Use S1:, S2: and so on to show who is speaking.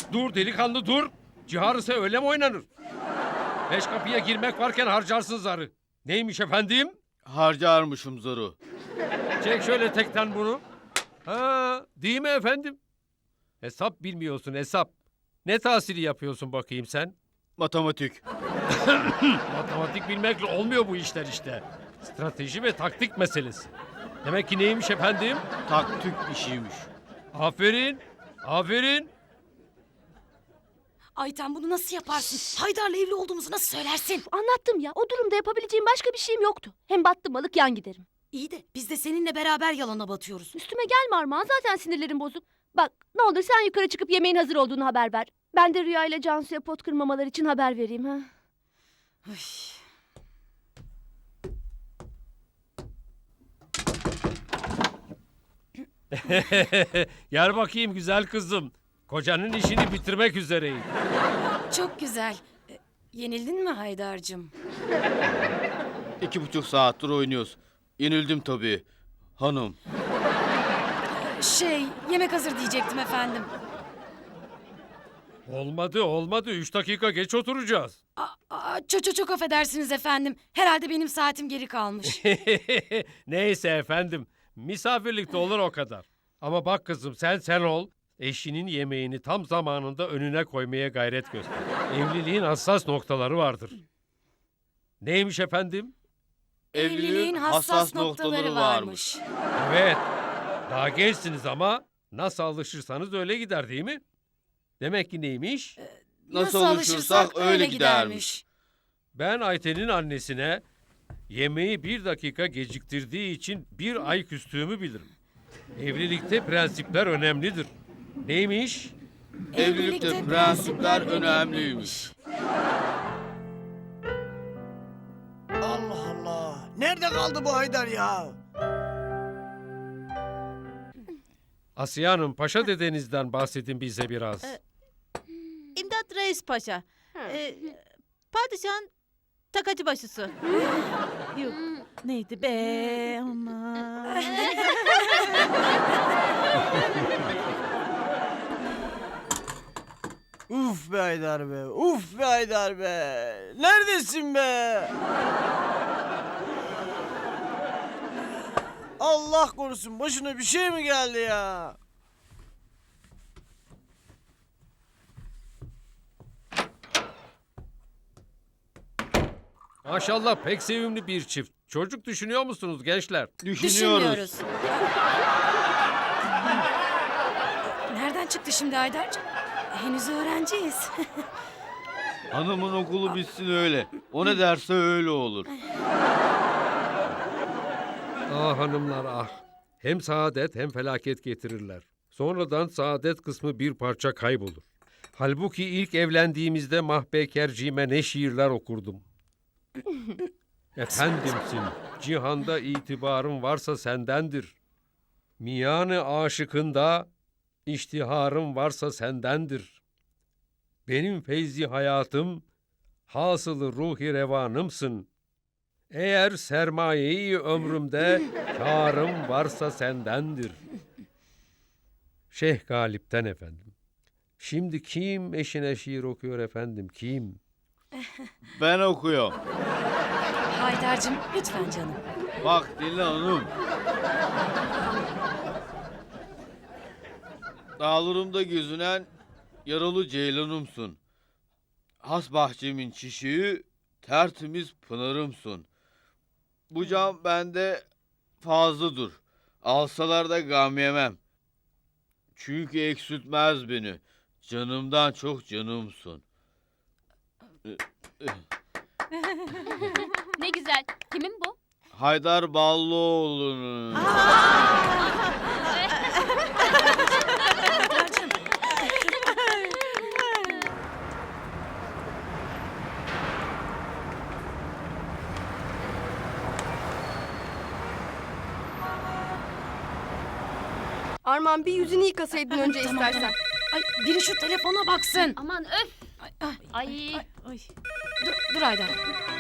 S1: Dur delikanlı dur. Ciharı ise öyle mi oynanır? 5 kapıya girmek varken harcarsın zarı. Neymiş efendim?
S2: Harcarmışım zoru.
S1: Çek şöyle tekten bunu. Ha, değil mi efendim? Hesap bilmiyorsun hesap. Ne tahsili yapıyorsun bakayım sen?
S2: Matematik.
S1: Matematik bilmekle olmuyor bu işler işte. Strateji ve taktik meselesi. Demek ki neymiş efendim?
S2: Taktik işiymiş.
S1: Aferin, aferin.
S3: Ayten bunu nasıl yaparsın? Haydar'la evli olduğumuzu nasıl söylersin?
S4: Anlattım ya. O durumda yapabileceğim başka bir şeyim yoktu. Hem battım balık yan giderim.
S3: İyi de biz de seninle beraber yalana batıyoruz.
S4: Üstüme gelme Armağan. Zaten sinirlerim bozuk. Bak ne olur sen yukarı çıkıp yemeğin hazır olduğunu haber ver. Ben de Rüya ile Cansu'ya pot kırmamalar için haber vereyim ha.
S3: Üy.
S1: Gel bakayım güzel kızım. Kocanın işini bitirmek üzereyim.
S3: Çok güzel. Yenildin mi Haydar'cığım?
S2: 2,5 saattir oynuyoruz. Yenildim tabii. Hanım.
S3: Yemek hazır diyecektim efendim.
S1: Olmadı. 3 dakika geç oturacağız.
S3: Çok affedersiniz efendim. Herhalde benim saatim geri kalmış.
S1: Neyse efendim. Misafirlikte olur o kadar. Ama bak kızım sen ol. Eşinin yemeğini tam zamanında önüne koymaya gayret göster. Evliliğin hassas noktaları vardır. Neymiş efendim?
S3: Evliliğin hassas noktaları varmış.
S1: Evet. Daha gençsiniz ama nasıl alışırsanız öyle gider değil mi? Demek ki neymiş?
S2: Nasıl alışırsak öyle gidermiş.
S1: Ben Ayten'in annesine yemeği 1 dakika geciktirdiği için 1 ay küstüğümü bilirim. Evlilikte prensipler önemlidir. Neymiş?
S2: Evlilikte prensipler önemliymiş.
S5: Allah Allah. Nerede kaldı bu Haydar ya?
S1: Asiye Hanım, Paşa dedenizden bahsedin bize biraz.
S6: İmdat Reis Paşa. Padişahın takacı başısı. Yok. Neydi be aman.
S5: Uf be Haydar be. Uf be Haydar be. Neredesin be? Allah korusun başına bir şey mi geldi ya?
S1: Maşallah pek sevimli bir çift. Çocuk düşünüyor musunuz gençler?
S3: Düşünmüyoruz. Nereden çıktı şimdi Haydar'cığım? Henüz öğrenciyiz.
S2: Hanımın okulu bitsin öyle. O ne derse öyle olur.
S1: Ah hanımlar ah. Hem saadet hem felaket getirirler. Sonradan saadet kısmı bir parça kaybolur. Halbuki ilk evlendiğimizde mahbekerciğime ne şiirler okurdum. Efendimsin, cihanda itibarım varsa sendendir. Miyanı aşıkında iştiharım varsa sendendir. Benim feyzi hayatım, hasılı ruhi revanımsın. Eğer sermayeyi ömrümde kârım varsa sendendir. Şeyh Galip'ten efendim. Şimdi kim eşine şiir okuyor efendim, kim?
S2: Ben okuyorum.
S3: Haydar'cığım lütfen canım.
S2: Bak dinle hanım. Dağlarımda gözünen yaralı ceylanımsın. Has bahçemin çiçeği, tertemiz pınarımsın. Bu cam bende fazladır. Alsalar da gam yemem. Çünkü eksiltmez beni. Canımdan çok canımsın.
S4: Ne güzel. Kimin bu?
S2: Haydar Ballıoğlu'nun.
S3: Haydar'cığım.
S7: Armağan bir yüzünü yıkasaydın önce
S3: Tamam,
S7: istersen.
S3: tamam. Ay biri şu telefona baksın.
S4: Aman öf.
S3: Ay,
S4: Ay.
S6: Ay.
S3: dur Haydar.